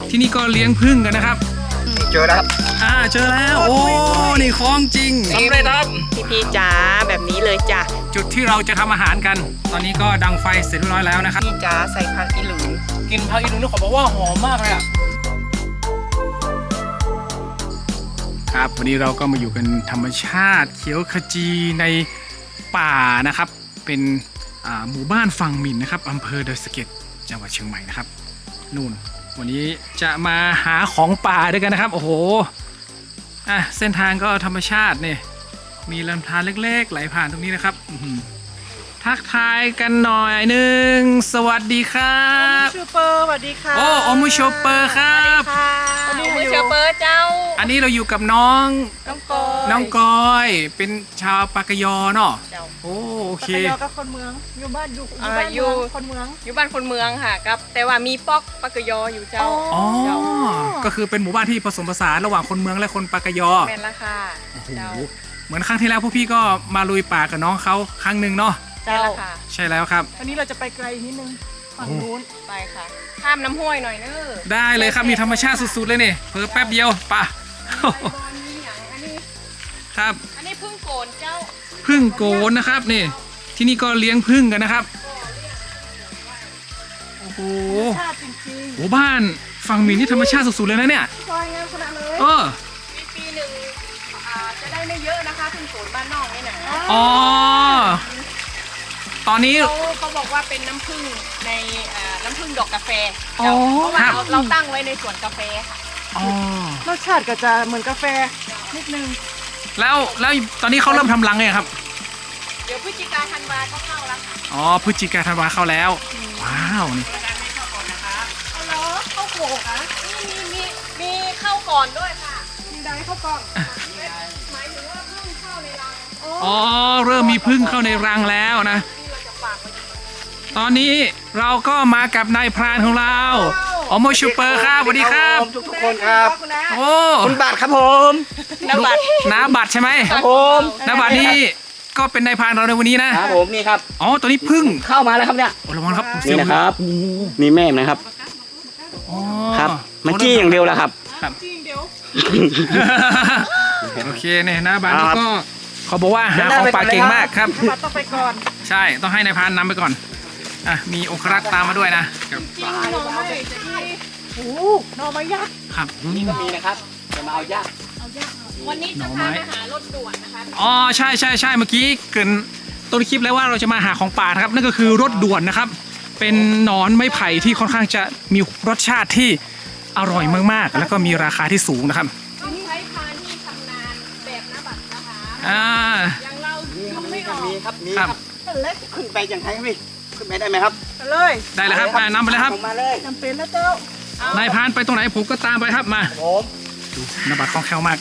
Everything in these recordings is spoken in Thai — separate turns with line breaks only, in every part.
ที่นี่ก็เลี้ยงผึ้งกันนะครับ
เจอแล้วครับ
เจอแล้วโอ้นี่ของจริงสำเร็จครับ
พี่จ๋าแบบนี้เลยจ้ะ
จุดที่เราจะทำอาหารกันตอนนี้ก็ดังไฟเสร็จเรียบร้อยแล้วนะครับ
พี่จ๋าใส่ผักอีหลุน
กินผักอีหลุนนี่ขอบอกว่าหอมมากเลยอะครับวันนี้เราก็มาอยู่กันธรรมชาติเขียวขจีในป่านะครับเป็นหมู่บ้านฝั่งหมิ่นนะครับอำเภอดอยสะเก็ดจังหวัดเชียงใหม่นะครับนู่นวันนี้จะมาหาของป่าด้วยกันนะครับโอ้โหเส้นทางก็ธรรมชาติเนี่ยมีลำธารเล็กๆไหลผ่านตรงนี้นะครับทักทายกันหน่อยหนึ่งสวัสดีครับ
โอมูชูเปอร์สวัสดีค่ะ
โอมูชูเปอร์ครับ
โอมูชูเปอร์เจ้า
อันนี้เราอยู่กับน้องกอยเป็นชาวปากยอเนาะโอเค
ปากยอกับคนเมืองอยู่บ้านอยู่คนเมือง
อยู่บ้านคนเมืองค่ะครับแต่ว่ามีป๊อกปากยออยู่เจ้า
ก็คือเป็นหมู่บ้านที่ผสมผสานระหว่างคนเมืองและคนปากยอ
แม่นละค่ะ
เจ้าเหมือนครั้งที่แล้วพวกพี่ก็มาลุยป่ากับน้องเขาครั้งหนึ่งเนาะใช่แล้วครับ
วันนี้เราจะไปไกลนิดนึงฝั่งนู้น
ไปค่ะข้ามน้ำห้วยหน่อยเนอะ
ได้เลยครับมีธรรมชาติสุดๆเลยเนี่ยเพิ่มแป๊บเดียวป่ะครับ
อันนี้พึ่งโกนเจ้า
พึ่งโกนนะครับนี่ที่นี่ก็เลี้ยงพึ่งกันนะครับโอ้โหโอ้บ้านฝั่งหมิ่นนี่ธรรมชาติสุดๆเลยนะเนี่ย
ซอยงามขนาดเลย
ปีหนึ่งจะได้ไม่เยอะนะคะพึ่งโกนบ้านนอกนี่นะ
ตอนนี้
เขาบอกว่าเป็นน้ำผึ้งในน้ำผึ้งดอกกาแฟเพราะว่าเราตั้งไว้ในสวนกาแฟค่ะ
รสชาติก็จะเหมือนกาแฟนิดนึง
แล้วตอนนี้เขาเริ่มทำรังเลยครับ
เดี๋ยวพฤศจิกาธันวาก็เข้าแล้วค่ะ
พฤศจิกาธันวาเข้าแล้วว้าวนี่
เข้าโขกนะมีเข้าก่อนด้วยค่ะ
มีได้เข้าก่อน
หมายถึงว่าพึ่งเข้าในรัง
เริ่มมีพึ่งเข้าในรังแล้วนะตอนนี้เราก็มากับนายพรานของเราโอโมชูเปอร์ครับสวัสดีครับ
ทุกคนครับคุณบัตรครับผม
น้าบัตรใช่ไหม
ครับผม
น้าบัตรนี่ก็เป็นนายพรานเราในวันนี้นะครับ
ผมนี่ครับ
ตัวนี้พึ่ง
เข้ามาแล้วครับเนี่ย
ระวังครับ
นี่นะครับนี่แม่นะครับครับมันจี้อย่างเดียวแหละครับ
จี้อย่างเดียว
โอเคเนี่ยน้าบัตรก็เขาบอกว่าหาของป่าเก่งมากครับ
ต้องไปก่อน
ใช่ต้องให้นายพรานนำไปก่อนมีองครักษ์ตามมาด้วยนะ
จริงหน่อไม้หน่อไม้ยักษ์
ครับ
นี่ก็มีนะครับจะมาเอายักษ์
วันนี้จะพาไปหารถด่วนนะคะ
ใช่เมื่อกี้เกินต้นคลิปแล้วว่าเราจะมาหาของป่านะครับนั่นก็คือรถด่วนนะครับเป็นหนอนไม้ไผ่ที่ค่อนข้างจะมีรสชาติที่อร่อยมากๆแล้วก็มีราคาที่สูงนะครับ
ต้องใช้พานที่ชำนาญแบบน้าบัตรนะคะอย่างเรา
ไม่ออกมีครับเล็กขึ้นไปอย่างไรพี่ขึ้นไปได้ไหมครับ
เลย
ได้เลยครับนำไปเลยครับ
มาเลย
จำเป็นแล้วเจ้าน
ายพรานไปตรงไหนผมก็ตามไปครับมา
ผม
ดูน้าบัตรคล่องแคล่วมาก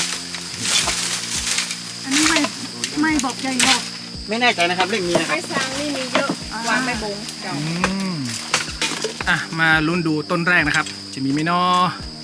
อันนี้ไม่บอกใหญ่หรอก
ไม่แน่ใจนะครับเรื่องนี้นะครับ
ไม้ซางนี่มีเยอะวางไม่บง
มาลุ้นดูต้นแรกนะครับจะมีไหมเนาะ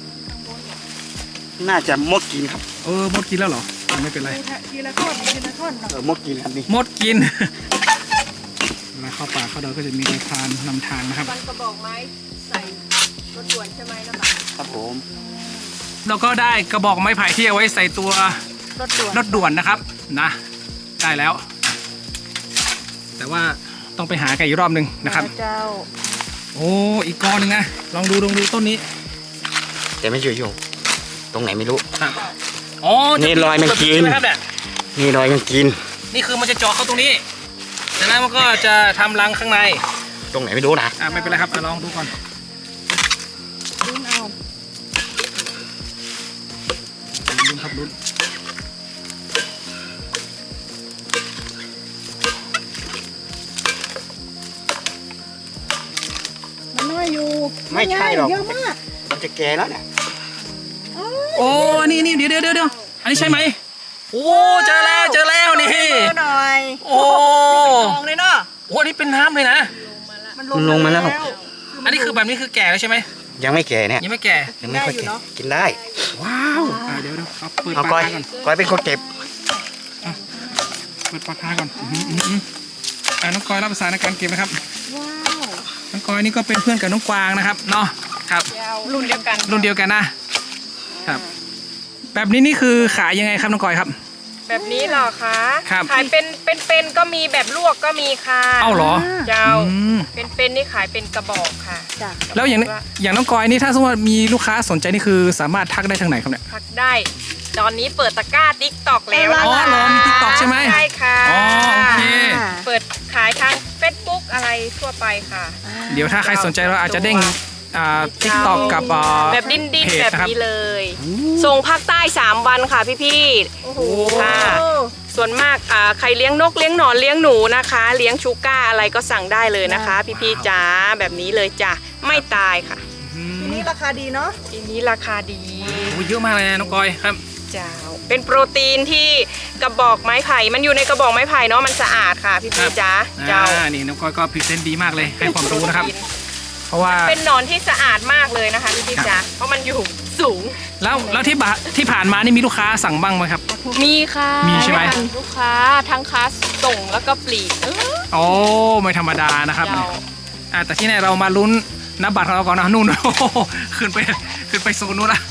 น่าจะมดกินครับ
มดกินแล้วเหรอไม่เป็นไร
ทีละท่อน
มดกินครับนี่
มดกินเวลาเข้าป่าเข้าดอยก็จะมีนายพรานนำทางนะครับ
กระบอกไม้ใส่รถด่วนใช่ไหมนะบัตร
ครับผม
เราก็ได้กระบอกไม้ไผ่ที่เอาไว้ใส่ตัวรถด่วนนะครับนะได้แล้วแต่ว่าต้องไปหากันอีกรอบนึงนะครับ
เจ้า
อีกกอนึงนะลองดูต้นนี้
แต่ไม่อยู่ตรงไหนไม่รู้
นี่
รอยมันกินนี่รอยมันกิน
นี่คือมันจะเจาะเข้าตรงนี้จากนั้นมันก็จะทำรังข้างใน
ตรงไหนไม่รู้นะ
ไม่เป็นไรครับลองดูก่อน
ลุ้นเอา
ลุ้นครับลุ้น
มันน้อยอยู่
ไม่ใช่หรอก
เยอะมาก
มันจะแก่แล้วเนี่ย
นี่เดี๋ยวอันนี้ใช่ไหมเจอแล้วนี่
หน่อยมองเลยเนาะ
นี่เป็นน้ำเลยนะ
มันลงมาแล้ว
อันนี้คือแบบนี้คือแก่แล้วใช่ไหม
ยังไม่แก่เนี่ย
ยังไม่แก่
ยังไม่ค่อยแก่กินได้
ว้าวเดี๋ยวเอา
เปิดปากกาก่อนก้อยเป็นคนเก็บ
เปิดปากกาก่อนน้องก้อยรับภาษาในการเก็บนะครับ
ว้าว
น้องก้อยนี่ก็เป็นเพื่อนกับน้องกวางนะครับเนาะครับ
รุ่นเดียวกัน
รุ่นเดียวกันนะครับแบบนี้นี่คือขายยังไงครับน้องกอยครับ
แบบนี้เหรอคะ
ครับ
ขายเป็นก็มีแบบลวกก็มีค่ะ
เอ้าเหรอ
เจ้า
อืม
เป็นนี่ขายเป็นกระบอกค่ะ
จ้ะ
แล้วอย่างน้องกอยนี่ถ้าสมมติว่ามีลูกค้าสนใจนี่คือสามารถทักได้ทางไหนครับเนี่ย
พักได้ ตอนนี้เปิดตะกร้าติ๊กตอกแล้ว
อ๋อเหรอมี TikTok ใช่ไหม
ใช่ค่ะ
อ๋อโอเค
เปิดขายทาง Facebook อะไรทั่วไปค่ะ
เดี๋ยวถ้าใครสนใจเราอาจจะเด้งทิกตอกกับ
แบบดิ้น
เพจ
แบบ
นะครับ
นี้เลย ส่งภาคใต้ 3 วันค่ะพี่
โอ้โห
ค่ะ ส่วนมากใครเลี้ยงนกเลี้ยงหนอนเลี้ยงหนูนะคะ เลี้ยงชูก้าอะไรก็สั่งได้เลยนะคะ พี่ๆจ๋าแบบนี้เลยจ้ะไม่ตายค่ะ
ทีนี้ราคาดีเนาะ
ทีนี้ราคาดี
โอ้เยอะมากเลยนะน้องกอยครับ
เจ้าเป็นโปรตีนที่กระบอกไม้ไผ่มันอยู่ในกระบอกไม้ไผ่เนาะมันสะอาดค่ะพี่ๆจ๋าเจ้า
นี่น้องกอยก็พรีเซนต์ดีมากเลยให้ความรู้นะครับ เพราะว่า
เป็นหนอนที่สะอาดมากเลยนะคะพี่ๆจ๋าเพราะมันอยู่สูง
แล้วที่ผ่านมานี่มีลูกค้าสั่งบ้างไหมครับ
มีค่ะ
มีใช่ไหม
ลูกค้าทั้งค้าส่งแล้วก็ปลีก
โอ้ไม่ธรรมดานะครับ
เจ้า
แต่ที่ไหนเรามาลุ้นนับบัตรของเราก่อนนะนู่น โอ้โหขึ้นไปโซนนู้นละ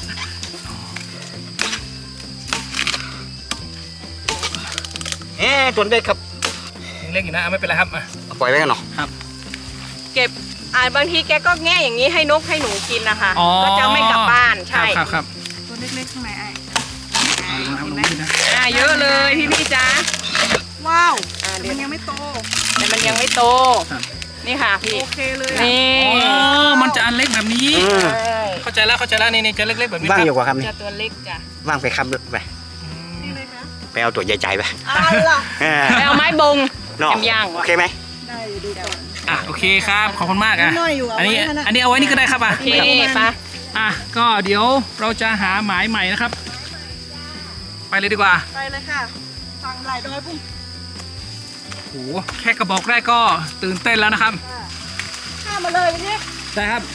ตัวเล็กครับ
ยังเล็กอยู่นะไม่เป็นไรครับอ่ะ
ปล่อยไว้กันเนาะ
ครับ
เก็บบางทีแกก็แง่อย่างนี้ให้นกให้หนูกินนะคะ
อ๋อ
ก็จะไม่กลับบ้านใช่
ครับ
ตัวเล็กๆข้างในไอ้
เอาลงนะครับลงนี่นะ
เยอะเลยพี่จ๋า
ว้าว
เดี๋
มั
ยวน
ยังไม่โต
แต่มันยังไม่โต
ครับ
นี่ค่ะพี่
โอเคเลยอะ
นี่
อ๋อมันจะอันเล็กแบบนี้
ใช่
เข้าใจแล้วนี่จะเล็กๆแบบนี้
ว่าง
ค
อ
รับ
ยู่กว่าครับนี่
จะตัวเล็กจ้ะ
ว่างไปครับไป
นี่เลยนะ
ไปเอาตัวใหญ่ๆไป
เอาล่ะ
ไปเอาไม้บง
เนาะ
แอมย่าง
โอเคไหม
ได้อยู่ดูก่อน
อ่ะโอเคครับขอบคุณมากอ่ะ
น้อยอยู่เอา
อันนี้
ไว้นะ
อันนี้เอาไว้นี่ก็ได้ครับอ่ะ
โอเคปะ
อ่ะก็เดี๋ยวเราจะหาหมายใหม่นะครับ ไปเลยดีกว่า
ไปเลยค่ะสั่งหลายดอยพุ่ง
โอ้โหแค่กระบอกแรกก็ตื่นเต้นแล้วนะครับ
ข้ามมาเลยวันนี้
ใช่ครับ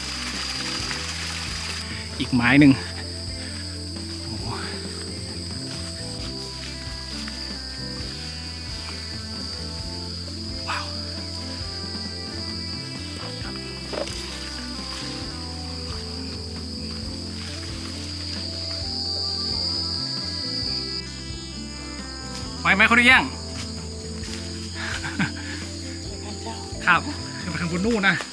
อีกหมายหนึ่งโอ้โหว้าวไหมเขาได้ยัง ครับขึ้นไปข้างบนนู่นนะ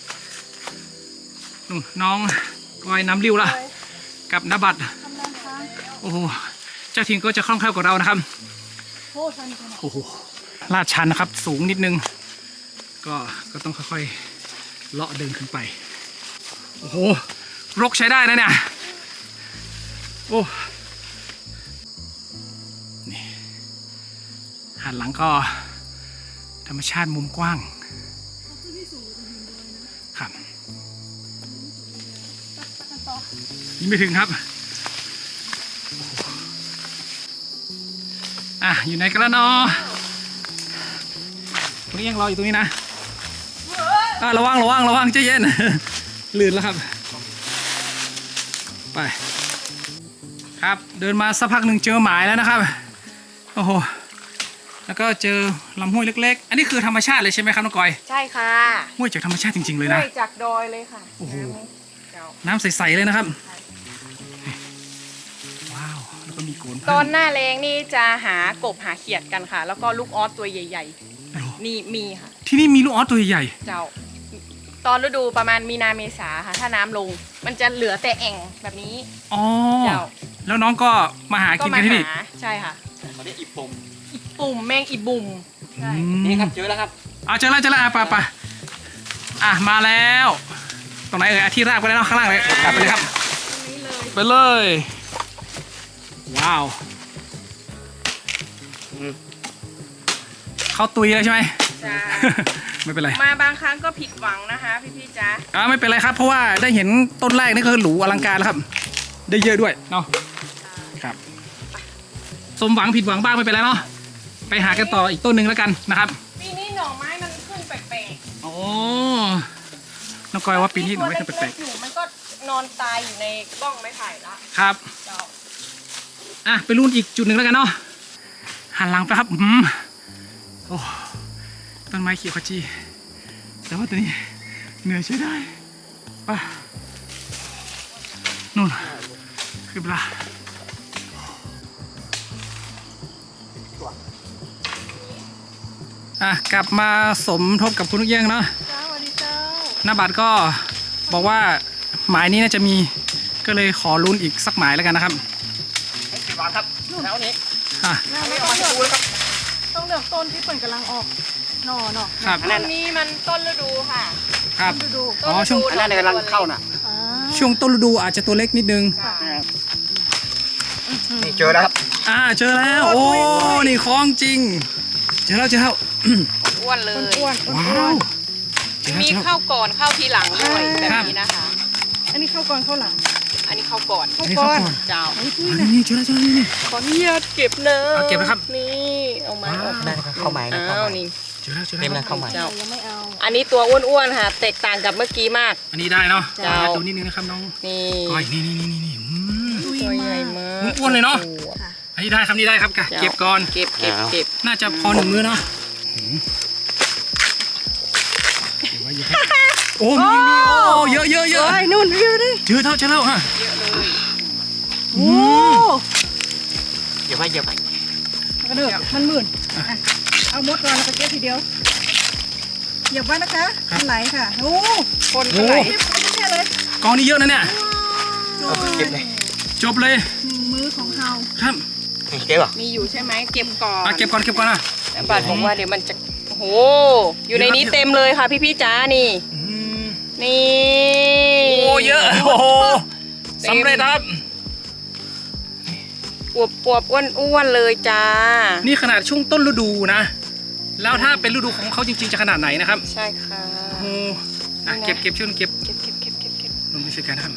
นู่นน้องกอยน้ำริ้วละกับนบัตร
ทำงานค้าง
โอ้โหเจ้าถิ่นก็จะคล่องแคล่วกว่าเรานะครับ
โอ้ชันจัง
โอ้โหลาดชันนะครับ สูงนิดนึง ก็ต้องค่อยๆเลาะเดินขึ้นไป โอ้โหรกใช้ได้นะเนี่ยโอ้นี่หันหลังก็ธรรมชาติมุมกว้างครับยังไม่ถึงครับอ่ะอยู่ไหนกันแล้วเนาะตรงนี้ยังรออยู่ตรงนี้นะระวังใจเย็น ลื่นแล้วครับไปครับเดินมาสักพักหนึ่งเจอหมายแล้วนะครับโอ้โหแล้วก็เจอลำห้วยเล็กๆ อันนี้คือธรรมชาติเลยใช่ไหมครับน้องกอย
ใช่ค่ะ
ห้วยจากธรรมชาติจริงๆเลย
ด้
นะ
วยจากดอยเลยค่ะ
โอ้โห
เจ้า
น้ำใสๆเลยนะครับว้าวแล้วก็มีโกน
ตอนหน้าแรงนี่จะหากบหาเขียดกันค่ะ แล้วก็ลูกออสตัวใหญ่ๆนี่มีค่ะ
ที่นี่มีลูกออสตัวใหญ่
เจ้า ตอนฤดูประมาณมีนาเมษาค่ะ ถ้าน้ำลง มันจะเหลือแต่แอ่งแบบนี้
ๆอ๋อ
เจ้า
แล้วน้องก็มาหา
ก็
กิน
มา
กันที่นี่
หาใช่ค่ะ
เขาเรียกอีปม
ปุ่มแมงอีบุ่มใช่
นี่ครับเจอแล้วครับ
เจอแล้วไปมาแล้ว ตรงไหนที่ราบก็ได้เนาะข้างล่างเลยไปเลยครับไปเลยว้าวเขาตุยแล้วใช่ไหม
จ้า
ไม่เป็นไร
มาบางครั้งก็ผิดหวังนะคะพี่ๆจ๊ะ
ไม่เป็นไรครับ เพราะว่าได้เห็นต้นแรกนี่คือหรูอลังการแล้วครับ ได้เยอะด้วยเนาะครับ สมหวังผิดหวังบ้างไม่เป็นไรเนาะไปหากันต่ออีกต้นหนึ่งแล้วกันนะครับ
ปีนี้หน่อไม้มันขึ้นแปลก
โอ้น้องกอยว่า
ๆ
ปีนี้หนูไม่เคยแปลก
อยู่มันก็นอนตายอยู่ในบ้องไม้ไผ่ละ
ๆครับ
เจ้า
ไปรุ่นอีกจุดหนึ่งแล้วกันเนาะหันหลังไปครับโอ้ต้นไม้เขียวขจีแต่ว่าตัวนี้เหนื่อยใช้ได้ไปนู่นคือเวลากลับมาสมทบกับคุณลูกเอี้ยงเนาะ
จ้าสวัสดีเจ้า
หน้าบัตรก็บอกว่าหมายนี้น่าจะมีก็เลยขอลุ้นอีกสักหมายแล้วกันนะครับ
กี่วันครับแล้วนี้
อ่ะ
ไม่ต้องเลือกต้องเลือกต้นที่เปิดกำลังออกหน่อ
ครับ
ต้นนี้มันต้นฤดูค่ะ
ครับ
ดู
อ๋อช่วง
อันนั้นกำลังเข้าน่ะ
อ่า
ช่วงต้นฤดูอาจจะตัวเล็กนิดนึง
นี่เจอแล้วครับ
เจอแล้วโอ้นี่ของจริงเจอแล้ว
อ้วนเลย
อ้วน
ว้าวเจอแล้ว
มี
เจอแล้ว
เข้าก่อนเข้าทีหลังด้วยแบบนี้นะคะ
อันนี้เข้าก่อนเข้าหลัง
อันนี้เข้าก่อน
อันนี้เข้าก่อน
เจ้า
นี่เจอแล้วนี่
ขออนุญาตเก็บเนอะ
เอาเก็บนะครับ
นี่เอาไม้ออก
ได้เข้าหมายนะเข้า
อ้าว
หมาย
นี่
เจอแล้ว
เต็มแล้วเข้าหมาย
เจ้า
ยังไม่เอา
อันนี้ตัวอ้วนๆค่ะแตกต่างกับเมื่อกี้มาก
อันนี้ได้เนาะ
เจ้า
ดูนิดนึงนะครับน้อง
นี่
ก้อยนี่
ตัวใหญ่มาก
อ้วนเลยเนาะ อันนี้ได้ครับนี่ได้ครับกะเก็บก่อน
เก็บ
น่าจะพอหนึ่งมื้อเนาะเดี๋ยวไว้อยู่ครับโอ้มีโอ้เยอะ
เฮ้ยนู่นวิวดิ
เจอแล้วฮะ
เยอะเลย
โอ้
เดี๋ยวไปเดี๋ยวไป
กระเดือกมันหมื่นอ่ะเอามดก่อนแล้วก็เก็บทีเดียวเหยียบไว้นะคะมันไหลค่ะโอ้
คนเท่าไหร่
เก็บไปแค่เลย
กองนี้เยอะนะเนี่ย
เก็บเลย
จบเลย
หนึ่งมื้อของเฮา
ครับ
นี่เก็บเหรอ
มีอยู่ใช่ไหมเก็บก่อน
เก็บก่อนนะ
แต่บาทบอกว่าเดี๋ยวมันจะโอ้โหอยู่ในนี้เต็มเลยค่ะพี่จ๋านี่ นี่
โอ้เยอะโอ้โหสำเร็จครับ
อวบอ้วนเลยจ้า
นี่ขนาดช่วงต้นฤดูนะ แล้วถ้าเป็นฤดูของเขาจริงๆจะขนาดไหนนะครับ
ใช่ค่ะ
โอ้เก็บช่วยเก็บ
เก็บ
ลงไปช่วยกันนะครับ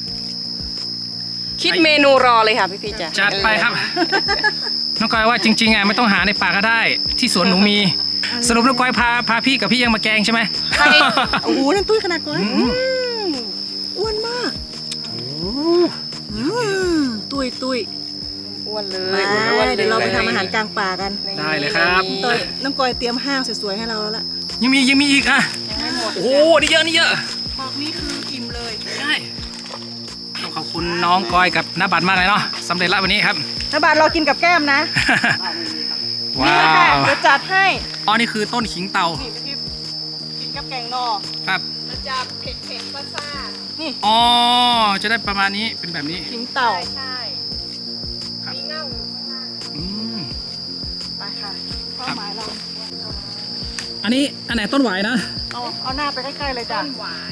คิดเมนูรอเลยค่ะพี่จ๋า
จัดไปครับ น้องก้อยว่าจริงๆไม่ต้องหาในป่าก็ได้ ที่สวนหนูมี สรุปน้องก้อยพาพี่กับพี่ยังมาแกงใช่ไหม
ใช่
โอ้โหนั่นตุ้ยขนาดก่อนอ้วนมากตุ้ย
อ้วนเล
ไป
ยอ้วนเลย
เดี๋ยวเราไปทำอาหารกลางป่ากัน
ได้เลยครับ
ตอนน้องกอยเตรียมห้างสวยๆให้เราแล้วล่ะ
ยังมีอีกอ่ะ
ยังไม่หมด
โอ้โหนี่เยอะ
บอกนี้คืออิ่มเลย
ใช่ต้องขอบคุณน้องก้อยกับน้าบัตรมากเลยเนาะสำเร็จแล้ววันนี้ครับ
น้าบาทเรากินกับแก้มนะ
ว้า
นี่ค่ะ
ว
เดี๋ยวจัดให้
อ๋อนี่คือต้นขิงเตา
นี่พี่กินกับแกงนอ
ครับ
มันจะเผ็ดซ่า
นี่
อ๋อจะได้ประมาณนี้เป็นแบบนี้
ขิงเต่า
ใช่
ครับ
มีเง่าอยู่ข้างล่าง
อืม
ไปค่ะเป้าหมายเรา
อันนี้อันไหนต้นหวายนะ
เอาหน้าไปใกล้ๆเลยจ้ะ
ต้นหวาย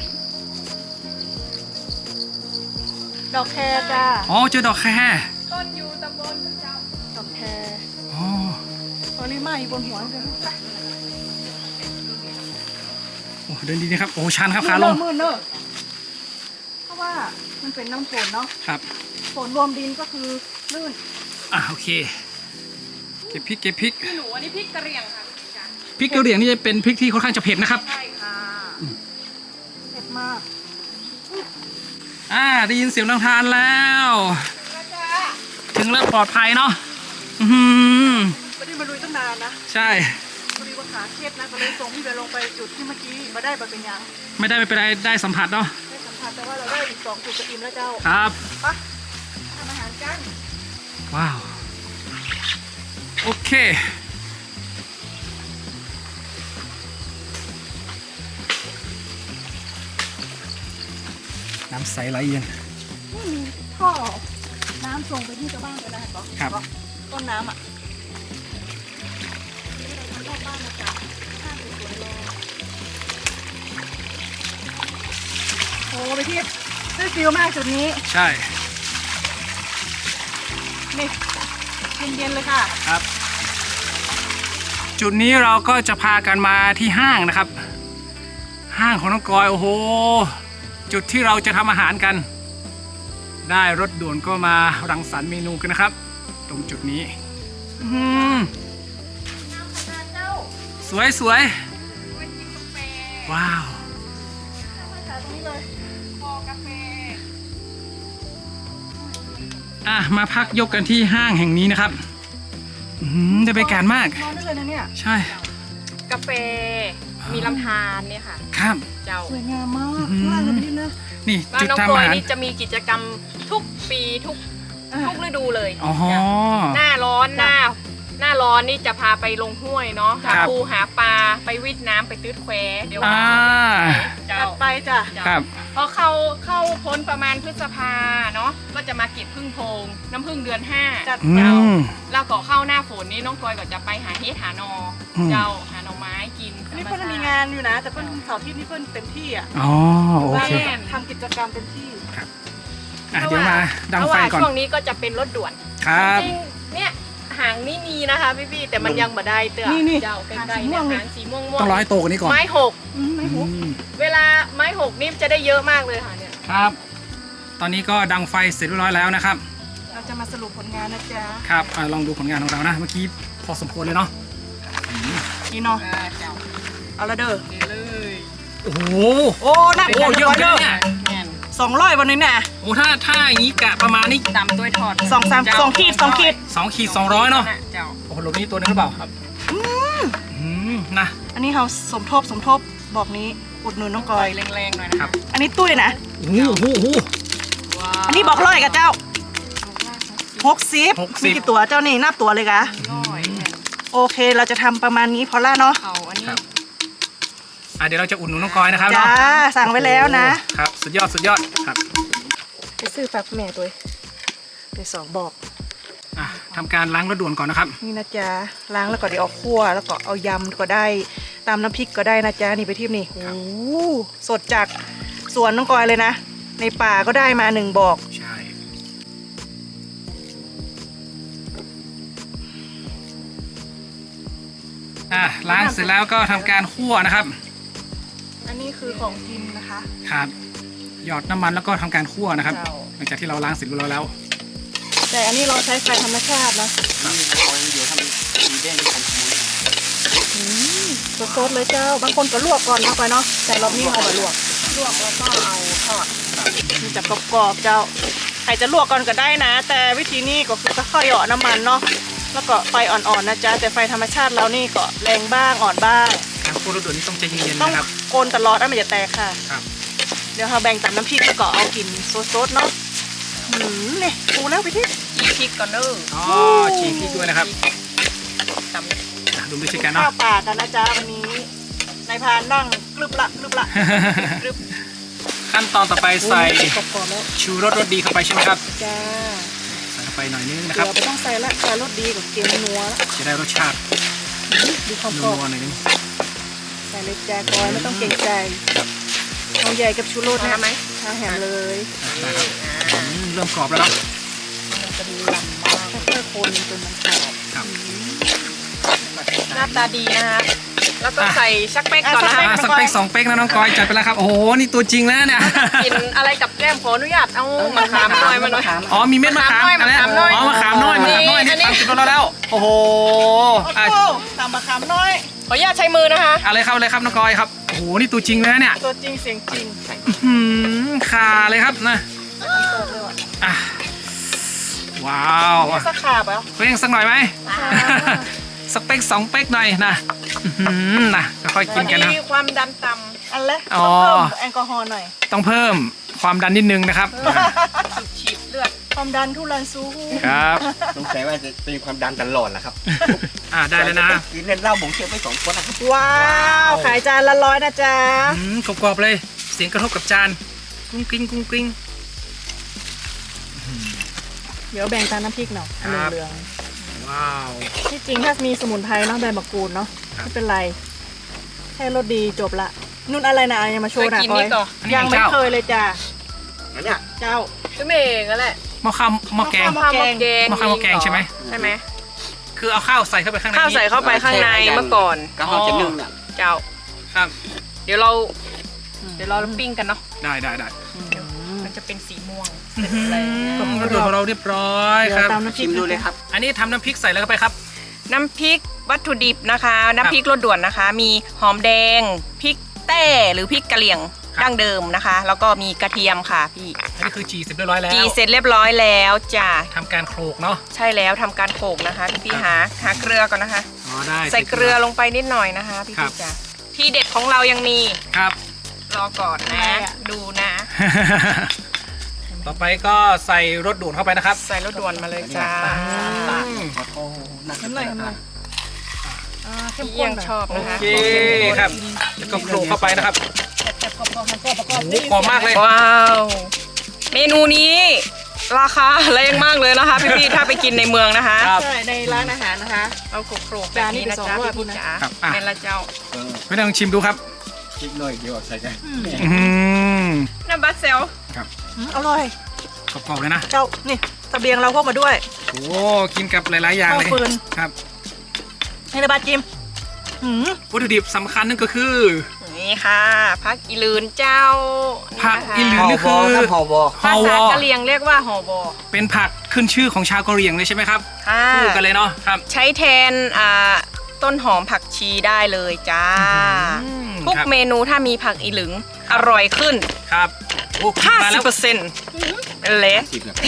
ดอกแครจ้า
อ๋อเจอดอกแคร
ต้นอยู่ตำบลพระเจ้า
ดอกแคร
อ๋อ
ตอนนี้มาอยู่บนหัวเลย
โอ้เดินดีนะครับโอ้ชันครับขาลง
มืดเนอะเพราะว่ามันเป็นน้ำฝนเนาะ
ครับ
ฝนรวมดินก็คือลื่น
โอเคเก็บพริก
พี่หนูอันนี้พริกกระเหรี่ยงค่ะพี่จ๋า
พริกกระเหรี่ยงนี่จะเป็นพริกที่ค่อนข้างจะเผ็ดนะครับ
ใช่ค่ะ
เผ็ดมาก
ได้ยินเสียงน้ำทานแล้ว ถึงแล้วปลอดภัยเนาะอื้อหือ
ไม่ได้มาลุยตั้งนานนะ
ใช่
พอดีว่าขาเคล็ดนะก็เลยส่งพี่ไปลงไปจุดที่เมื่อกี้มาได้แบบเป็นยัง
ไม่เป็นไรได้สัมผัสเนาะ
ได้สัมผัสแต่ว่าเราได้อีก2จุดจะอิ่มแล้วเจ้า
ครับ
ไปทำอาหารกัน
ว้าวโอเคน้ำใสไหลเย็น
นี่มีท่อน้ำส่งไปที่ชาวบ้านก็ได้ปะ
ครับ
ต้นน้ำอ่ะรอบบ้านมาจากข้างสวยๆเลยโอ้ไปที่ได้ฟิลมากจุดนี้
ใช่
นี่เย็นๆเลยค่ะ
ครับ จุดนี้เราก็จะพากันมาที่ห้างนะครับ ห้างของน้องกอยโอ้โหจุดที่เราจะทำอาหารกัน ได้รถด่วนก็มารังสรรค์เมนูกันนะครับ ตรงจุดนี้อื้อหือสวยว้าว มาพักยกกันที่ห้างแห่งนี้นะครับได้บรรยากาศมาก
นอนได้เลยนะเนี่ย
ใช่
กาแฟมีลำธารเนี่ยค่ะ
ครับ
เจ้า
สวยงามมาก
อืม
ข้างล่างเลยพี่นะ
นี่
บ้าน
จุด
น้อง
ทำ
กอ
อาย หาร
นี่จะมีกิจกรรมทุกปีทุกฤดูเลย
อ๋อ
หน้าร้อนหน้าร้อนนี่จะพาไปลงห้วยเนาะ
ครั
หา
บ
ปูหาปลาไปวิดน้ำไปตื้ดแควเดี๋ยว
อ่า
เจ้า
จัดไปจ้ะ
ครับ
พอเข้าพ้นประมาณพฤษภาเนาะก็จะมาเก็บพึ่งโพรงน้ำพึ่งเดือน 5
จัด
อื
เจ้าม แล้วก็เข้าหน้าฝนนี่น้องกอยก็จะไปหาเฮ็ดหาหนออ
ม
เจ้าหาหน่อไม้กิน
อันนี้เพิ่นมีงานอยู่นะ แต่เพิ่นเสาร์อาที่นี่เพิ่นเต็มที่อ่ะ
อ๋อโอเค
ทำกิจกรรมเต็มที่
อ่ะเดี๋ยวมาดังไฟก่อน
ช่วงนี้ก็จะเป็นรถด่วน
ครับ
จริงๆเนี่ยหางนี่มีนะคะพี่ๆแต่มันยังบ่ได้เตื้อ
นี่
เจ้าใกล้ๆ
หางสีม่วงนี่
หางสีม่วง
ต้องรอให้โตกว่านี้ก่อน
ไม้หก
ไม่หู
อืม
เวลาไม้หกนี่จะได้เยอะมากเลยค่ะเนี่ย
ครับ ตอนนี้ก็ดังไฟเสร็จเรียบร้อยแล้วนะครับ
เราจะมาสรุปผลงานนะจ๊ะ
ครับลองดูผลงานของเรานะ เมื่อกี้พอสมควรเลยเนาะ
นี่เนาะ
เจ้า
เอาละเด้อ
เดี๋ยวเลย
โอ้โห
โอ้หนัก
โอ้เยอะเลยเนี่ย
แม่น
200วันนี้น่ะ
โอ้ถ้าอย่างนี้กะประมาณนี้
ตำด้วยทอด
2 ขีด 2 ขีด
2 ขีด 200เนาะ
เจ้า
โอ้โหลบนี้ตัวนึงหรือเปล่าครับนะ
อันนี้เราสมทบบอกนี้อุดหนุนน้องก
ป
อ
ล่อย ยแรงๆหน่อยนะ
ครั
คะ
บ
อันนี้ตุ้ยนะ
โอ้โหโอ้โห
ว้าว
อันนี้บอกร้อยกับเจ้า 60
60
มีกี่ตัวเจ้านี่นับตัวเลยกะ
ร้อยแม่น
โอเคเราจะทำประมาณนี้พอละเนาะ
เอาอันนี้
ครับเดี๋ยวเราจะอุ่นหนุนน้องกอยนะครับ
จ้า
เนาะ
สั่งไว้แล้วนะ
ครับสุดยอดครับ
ไปซื้อฝากแม่ตัวไปสองบอก
ทำการล้างรถด่วนก่อนนะครับ
นี่นะจ๊ะล้างแล้วก็เดี๋ยวเอาคั่วแล้วก็เอายำก็ได้ตามน้ำพริกก็ได้นะจ๊ะนี่ไปที่นี่โอ้โหสดจากสวนน้องกอยเลยนะ ในป่าก็ได้มา1บอก
ใช่ล้างเสร็จแล้วก็ทำการคั่วนะครับ
อันนี้คือของกินนะคะ
ครับหยอดน้ำมันแล้วก็ทำการคั่วนะครับ
เจ้า
หลังจากที่เราล้างเสร็จเรียบร้อยแล้ว
แต่อันนี้เราใช้ไฟธรรมชาตินะสดๆเลยเจ้า บางคนก็ลวกก่อนนะไปเนาะแต่รอบนี้เอามาลวกแล้วก็เอาทอดมันจะกรอบๆเจ้าใครจะลวกก่อนก็ได้นะ แต่วิธีนี้ก็คือค่อยๆเหยาะน้ำมันเนาะแล้วก็ไฟอ่อนๆนะจ๊ะแต่ไฟธรรมชาติเรานี่ก็แรงบ้างอ่อนบ้าง
การคั่วรถด่วนนี่ต้องใจเย็นๆ
ต้อง
นะครับ
โกนตลอดนะมันจะแตกค่ะ
ครับ
เดี๋ยวเราแบ่งตับน้ำพริกแล้วก็เอากินสดๆเนาะนี่ปูแล้วไปที่
จีพริกก่อนเด้อ
อ๋อฉีกพริกด้วยนะครับ
ตำ
ดูด้วยช่วยกัน
ข้า
เนาะ
วป่ากันนะจ๊ะวันนี้นายพรานนั่งกรึบละกรึบละกรึบ
ขั้นตอนต่อไปใส่
กรอบๆแล้ว
ชูรสรสดีเข้าไปใช่ไหมครับ
จ้า
ใส่เข้าไปหน่อยนึงนะค
เดี๋
รั
ย
บ
วไม่ต้องใส่ละใส่รสดีกับเกมนัวละ
จะได้รสชาติ
ดูความกร
นั
อบ
วๆหน่อยนึง
ใส่เลยจ้ากอยไม่ต้องเกรงใจเอาใหญ่กับชูรส
เอา
นะ
ไหม
ทาแหมเลย
ได้ครับเริ่มกรอบแล้วเนาะ
มันจะมีลำมาก
ค่อยๆคนจนมันกรอบ
ครับ
หน้าตาดีนะคะแล้วก็ใส่ชักเป๊กก่อนนะคะ
สักเป๊ก2 เป๊กนะน้องกอยจัดไปแล้วครับ โอ้โห นี่ตัวจริงแล้วเนี่ย
กินอะไรกับแก้มขออนุญาตเอามะขามหน่อยมาหน่อย
อ๋อ มีเม็ดมะขาม
มะขามน้อย
อ๋อมะขามน้อยนี่
อันนี้
ตามจุดเราแล้ว โอ้โห
โอ้โหตามมะขามน้อย
ขออนุญาตใช้มือนะคะ
อะไรครับอะไรครับน้องกอยครับ โอ้โห นี่ตัวจริงเลยนะเนี่ย
ตัวจริงเสียงจริง
ขาเลยครับนะ
ตกเลยว่ะ
อ่ะว้าว
สักขาบอ่ะ
เร่งสักหน่อยไหม สักเป๊ก2 เป๊กหน่อยนะนะค่อยๆกินกันนะ
มีความดันต่
อันละ
อ๋อ
ต้องเพิ่มแอลกอฮอล์หน่อย
ต้องเพิ่มความดันนิดนึงนะครับ
ำฉีดเลือด
ความดันทุรันสู้
ครับ
สงสัยว่าจะเป็นความดันตลอดแหละครับ
ได้แล้วนะ
กินเล่นเหล้าหมูเคี่ยวไป2 คนนะครับ
ว้าวขายจานละ100นะจ๊ะ
กรอบๆเลย เสียงกระทบกับจานกุ้งกริ้งกุ้งกริ้ง
เดี๋ยวแบ่งตามน้ำพริกหน่อย
ครับ
เหลือง
ว้าว
ๆที่จริงถ้ามีสมุนไพรเนาะใบมะกรูดเนาะ
ครับ
ไม่เป็นไรแค่รสดีจบละนุ่นอะไรนะยังมาโชว์หน่อย
เคยกินนี่ก่อน
ยังไม่เคยเลยจ้ะ
อันเนี้ย
เจ้า
ก็เมงนั่นแหละ
หม้อข้าวหม้อแกง
หม้อแกง
หม้อข้าวหม้อแกงใช่ไหม
ใช่ไหม
คือเอาข้าวใส่เข้าไปข้างใน
ข้าวใส่เข้าไปข้างในเมื่อก่อน
ก็เขาจะนึ่งเนี่ย
เจ้า
ครับ
เดี๋ยวเราปิ้งกันเนาะ
ได้
มันจะเป็นสีม่วง
กระดูกของเราเรียบร้อยค
เดี๋ยว
รับ
ตามน้ำพริ
ชิ
ก
มดูเลยครับ
อันนี้ทำน้ำพริกใส่แล้วเข้าไปครับ
น้ำพริกวัตถุดิบนะคะ น้ำพริกรสด่วนนะคะ มีหอมแดงพริกแต้หรือพริกกะเหรี่ยง
ครับ
ดั้งเดิมนะคะ แล้วก็มีกระเทียมค่ะพี่
อันนี้คือจีเสร็จเรียบร้อยแล้ว
จีเสร็จเรียบร้อยแล้วจ้ะ
ทำการโขลกเนาะ
ใช่แล้วทำการโขลกนะคะพี่
ครับ
หาเกลือก่อนนะคะ
อ๋อได้
ใส่เกลือลงไปนิดหน่อยนะคะพี่
ครับ
จ้ะที่เด็ดของเรายังมี
ครับ
รอก่อนนะ ดูนะ
ต่อไปก็ใส่รสด่วนเข้าไปนะครับ
ใส่รสด่วนมาเลยจ้า
ขอโทษนัก
ทำหน่อยเข้ม
เยี่
ข้
ย
น
ง
หน่อย
ชอบ
โอ
นะคะ
เคครับแล้วก็โขลกเข้าไปนะครับ
แซ่บๆประกอบประกอบ
โอ้โหหอมมากเลย
ว้าวเมนูนี้ราคาแรงมากเลยนะคะ พี่ๆถ้าไปกินในเมืองนะคะ
ครับ
ใช่ในร้านอาหารนะคะ
เอาโขลกๆแบบนี้นะจ๊ะ
จานนี้ไป200
พี่ๆจ๋า
ครับอ่ะ
เป็นละเจ้า
ไม่ต้องชิมดูครับ
คิดหน่อยเดียวใส่ใจ
อืม
น้ำบัสเซล
ครับ
อร่อย
กรอบๆเลยนะ
เจ้านี่เสบียงเราพกมาด้วย
โอ้กินกับหลายๆอย่างเลย
ข้าวฟืน
ครับ
ให้ระบาดจิมหืม
วัตถุดิบสำคัญนั่นก็คือ
นี่ค่ะผักอีลืนเจ้า
ผักอีหลื
ห่อบอครับห่อบอ
ฮอ
ภาว ษา
อก
ะเหรี่ยงเรียกว่าหอบอ
เป็นผักขึ้นชื่อของชาวกะเหรี่ยงเลยใช่ไหมครับ
ค่ะ
คู่กันเลยเนาะครับ
ใช้แทนต้นหอมผักชีได้เลยจ้า
อืม
ทุก
ครับ
เมนูถ้ามีผักอีหลึงอร่อยขึ้น
ครับโอ้ขึ้นมาแล้ว
50%เลย
สิบแบบ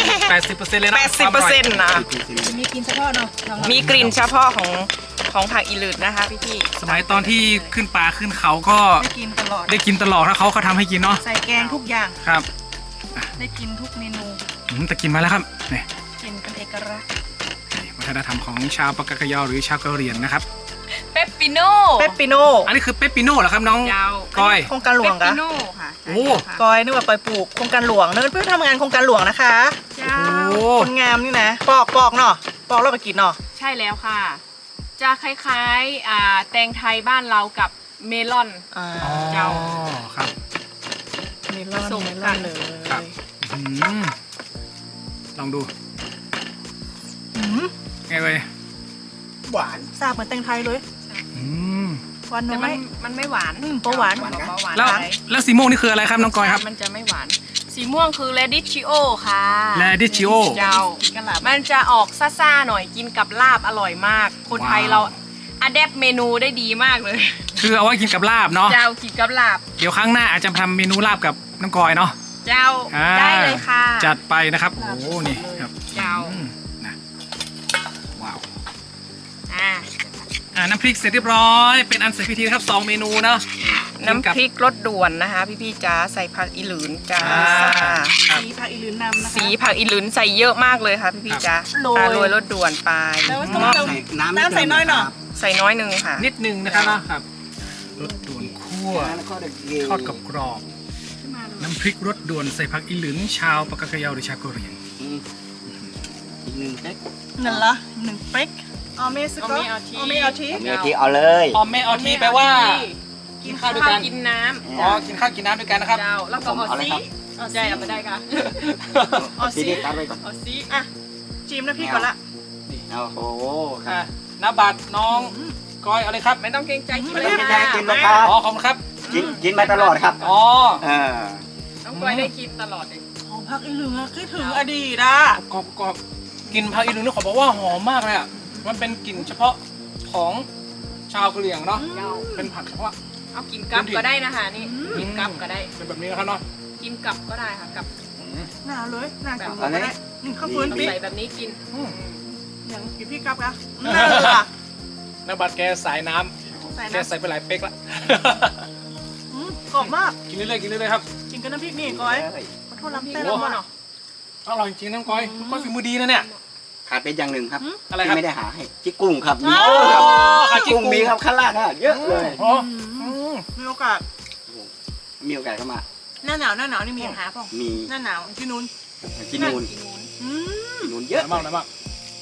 80%เลยนะ
80%นะ
มีกินเฉพาะเนาะ
มีกลิ่นเฉพาะของผักอีหลืดนะคะพี่ๆ
สมัยตอนที่ขึ้นป่าขึ้นเขาก็
ได้กินตลอด
ได้กินตลอดถ้าเขาทำให้กินเนาะ
ใส่แกงทุกอย่าง
ครับ
ได้กินทุกเมนู
แต่กินมาแล้วครับนี่
กินเป็นเอกลักษณ์
วัฒนธรรมของชาวปากกยอหรือชาวกะเหรี่ยงนะครับ
เปปปิโน่
เปปปิโน่
อันนี้คือเปปปิโน่เหรอครับน้อง
ยาว
ก้อย
โครงการหล
เป
วง
ป
กะ
ปิโน่ค่ะ
โอ้
กอยนึกว่าไปปลูกโครงการหลวงเนิร์ดเพื่อทำงานโครงการหลวงนะคะ
เจ้า
โอ้
คนงามนี่นะปอกเนาะปอกแล้วไปกินเนาะ
ใช่แล้วค่ะ จะคล้ายๆแตงไทยบ้านเรากับเมลอน
อ่า
อ๋อ
เจ้า
ครับ
เมลอน
ส่ง
เมล
กั
อน
น
เลย
ครับ อืมลองดู
หืม
ไงเว้ย
หวาน
ทราบเหมือนแตงไทยเลย
อืม
หวาน
แต่
น้อย
มันไม่หวาน
โปหวาน
เบาหวาน
แล้ว
ไป
แล้วสีม่วงนี่คืออะไรครับน้องก้อยครับ
มันจะไม่หวาน สีม่วงคือ radicchio ค่ะ
Radicchio
เจ้า
กะหล่ำ
มันจะออกซ่าๆหน่อยกินกับลาบอร่อยมาก คนไทย
ว้าว
เราอะแดปเมนูได้ดีมากเลย
คือเอาไว้กินกับลาบเนาะ
เจ้ากินกับลาบ
เดี๋ยวครั้งหน้าอาจจะทำเมนูลาบกับน้องก้อยเนาะ
เจ้า
อ่า
ได้เลยค่ะ
จัดไปนะครับ โอ้โหนี่ครับ
เจ้า
อืมนะว้าว
อ่า
น้ำพริกเสร็จเรียบร้อย เป็นอันเสร็จพิธีนะครับ2เมนูเนาะ
น้ำพริกรสด่วนนะคะ พี่ๆจ้าใส่ผักอีหลืนจ้า
ครับ
สีผักอีลืนนำนะคะ
สีผักอีหลืนใส่เยอะมากเลยค่ะพี่ๆจ้า
โรย
โรยรสด่วนไป
แล้วต้อง
ใส่น้ำ
น้ำใส่น้อยหน่อย
ใส่น้อยหนึ่งค่ะ
นิดนึงนะครับเนาะครับรสด่วนคั่ว
แล้วก็เด็ก
ทอดกับกรอบน้ำพริกรสด่วนใส่ผักอีหลืนชาวปากกยอหรือชาวกะเหรี่ยง
อีกหนึ่งเป๊ก
นั่นละ1เป๊กออเมสก็
ออเมเอาที
ออเมเอาที
เนื้อที่เอาเลย
ออมแม่เอาทีแปลว่า กินข้าวด้วยกัน
กินน้
อ๋อกินข้าวกินน้ำด้วยกันนะครับ
ำเจ้าแล้วก็
ผม
เอา
เอาเลย
ซี
ครับ
เอาใจเอาไปได้ค่ะ
เอา
ซี
สิ
ดีตัดไปก่อน
เอาซี
อ่ะจิ้มน้ำพริกก่อนละ
โอ้โหค
อ่ะ
รับ
น้าบัตรน้องก้อยเอาเลยครับ
ไม่ต้องเกรงใจกิน
ไม่
เล
ต้
ย
อง
ค่ะ
แค่กินนะครับ
อ๋อขอบคุณครับ
กินมาตลอดครับ
อ๋อ
น้องกอยได้กินตลอดเลย
หอมผักอีเหลืองอะคิดถึงอดีตอ่ะ
กรอบกรอบกลิ่นผักอีหลืนนี่ขอบอกว่าหอมมากเลยอ่ะมันเป็นกลิ่นเฉพาะของชาวกะเหรี่ยงเนาะ
เจ้า
เป็นผักเฉพาะ
เอากินกับก็ได้นะคะนี่กินกับก็ได้
เป็นแบบนี้นะครับเนาะ
กินกับก็ได้ค่ะกับ
หนาวเลยหนาว
แบบ
กินก็ได้ข้าวฟืน
ต้อง
พี่
ใส่แบบนี้กิน
อย่างกินพี่กับอะนั่นแหละ
น้าบัตรแกสายน้ำ
ใส่
แก
น้ำ
ใส่ไปหลายเป๊กละ
กรอบมาก
กินเรื่อยๆกินเรื่อยๆครับ
กินกับน้ำพริกนี่ก้อยขอโทษลำเต้นแล้วเนาะ
อร่อยจริงๆน้องก้อยน้องก้อยฝีมือดีนะเนี่ย
ขาดเป็นอย่างหนึ่งครับ
อะไรครับ
ที่ไม่ได้หาให้จิกกุ้งครับ
อ๋อขาจิก
กุ้ง
กุ้ง
มีครับข้างล่างอ่ะเยอะเลย
อ๋อ
มีโอกาส
มีโอกาสเข้ามา
หน้าหนาวนี่มีอาหารป่ะ
มี
หน้าหนาวที่นู้น
กินนูน
อืม
กินนูน
เย
เย
อะ
อะ
มากนะมาก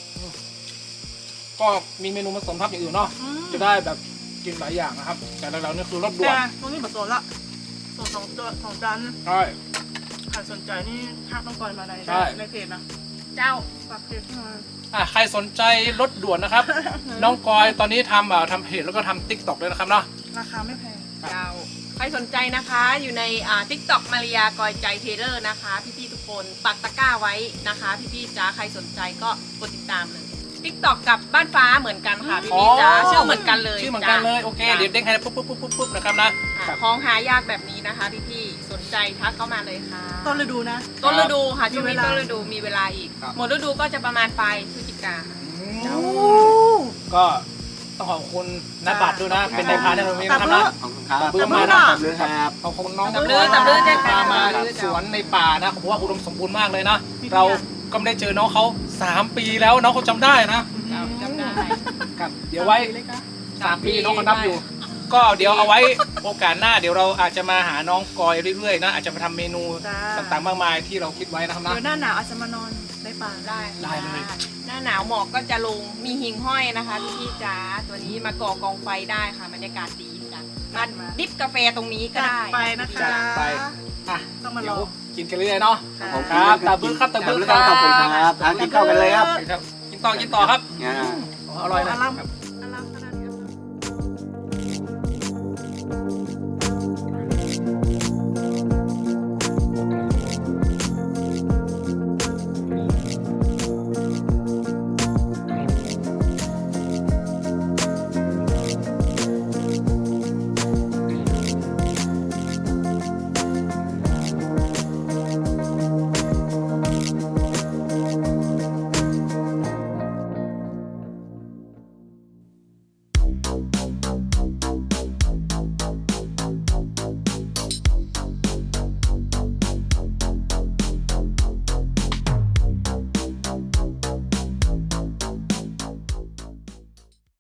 ก็มีเมนูผสมทับอย่างอื่นเนาะ
อืม
จะได้แบบกินหลายอย่างนะครับ แต่เราเนี่ยคือรสด่วน
แต่ตรงนี้แบบโซนละโซนสองจาน
ใช่
ใครสนใจนี่ทักน้องกอยมาใน
ใช่
ในเพจนะ
เจ้า
ฝากเพจมา
ใครสนใจรสด่วนนะครับ น้องกอยตอนนี้ทำเพจแล้วก็ทำติ๊กต็อกด้วยนะครับเนาะ
ราคาไม่แพง
เจ้าใครสนใจนะคะอยู่ในTikTok มาริยากอยใจเทเลอร์นะคะ พี่ๆทุกคนปักตะกร้าไว้นะคะ พี่ๆจ้าใครสนใจก็กดติดตามเลย TikTok กับบ้านฟ้าเหมือนกันค่ะพี่ๆจ้าชื่อเหมือนกันเลย
ชื่อเหมือนกันเลยโอเค
จ้ะ
เดี๋ยวเด้งให้ปุ๊บนะครับนะ
ค่ะของหายากแบบนี้นะคะพี่ๆสนใจทักเข้ามาเลยค่ะ
ต้นฤดูนะ
ต้นฤดูค่ะช่วง
มี
นี้
เวลา
ต้นฤดูมีเวลาอีก
ครับ
หมดฤดูก็จะประมาณปลายพฤศจิกาค่ะ
ก็ต้องขอบคุณนักบัตรด้วยนะ เป็นนายพรานในโรงเรียนนะครับนะ
ขอบคุณครับ
ขอบคุณมาก
ค
นะ
รับ
ขอบคุณน้อง
ตำลือตำลือเจ๊
พามาสวนในป่านะผมว่าอุดมสมบูรณ์มากเลยนะ เราก็ไม่ได้เจอน้องเขา3 ปีแล้วน้องเขาจำได้นะ
จำได้
ครับเดี๋ยวไว้ 3 ปีน้องเขานับอยู่ ก็เดี๋ยวเอาไว้โอกาสหน้าเดี๋ยวเราอาจจะมาหาน้องกอยเรื่อยๆนะอาจจะมาทำเมนูต่างๆมากมายที่เราคิดไว้นะครับนะ
เดี๋ยวหน้าหนาวอาจจะมานอนในป่า
ได้
ได้เลย
หน้าหนาวหมอกก็จะลงมีหิ่งห้อยนะคะพี่จ๋าตัวนี้มาก่อกองไฟได้ค่ะบรรยากาศดีจ้ะมาดิฟกาแฟตรงนี้ก็
จัด
ได้
ไปนะคะ
จัดไปอ่ะ
ต้องมาล
เดี๋ย
อ
ว
ง
กินกันเรื่อยๆเนาะ
ผม
ครับตาบื้อครับตาบื้อครับ
ขอบคุณครับทานกินข้าวกันเลยครับ
กินต่อครับ
อ่า
อร่อยนะ
อารัม
ครับ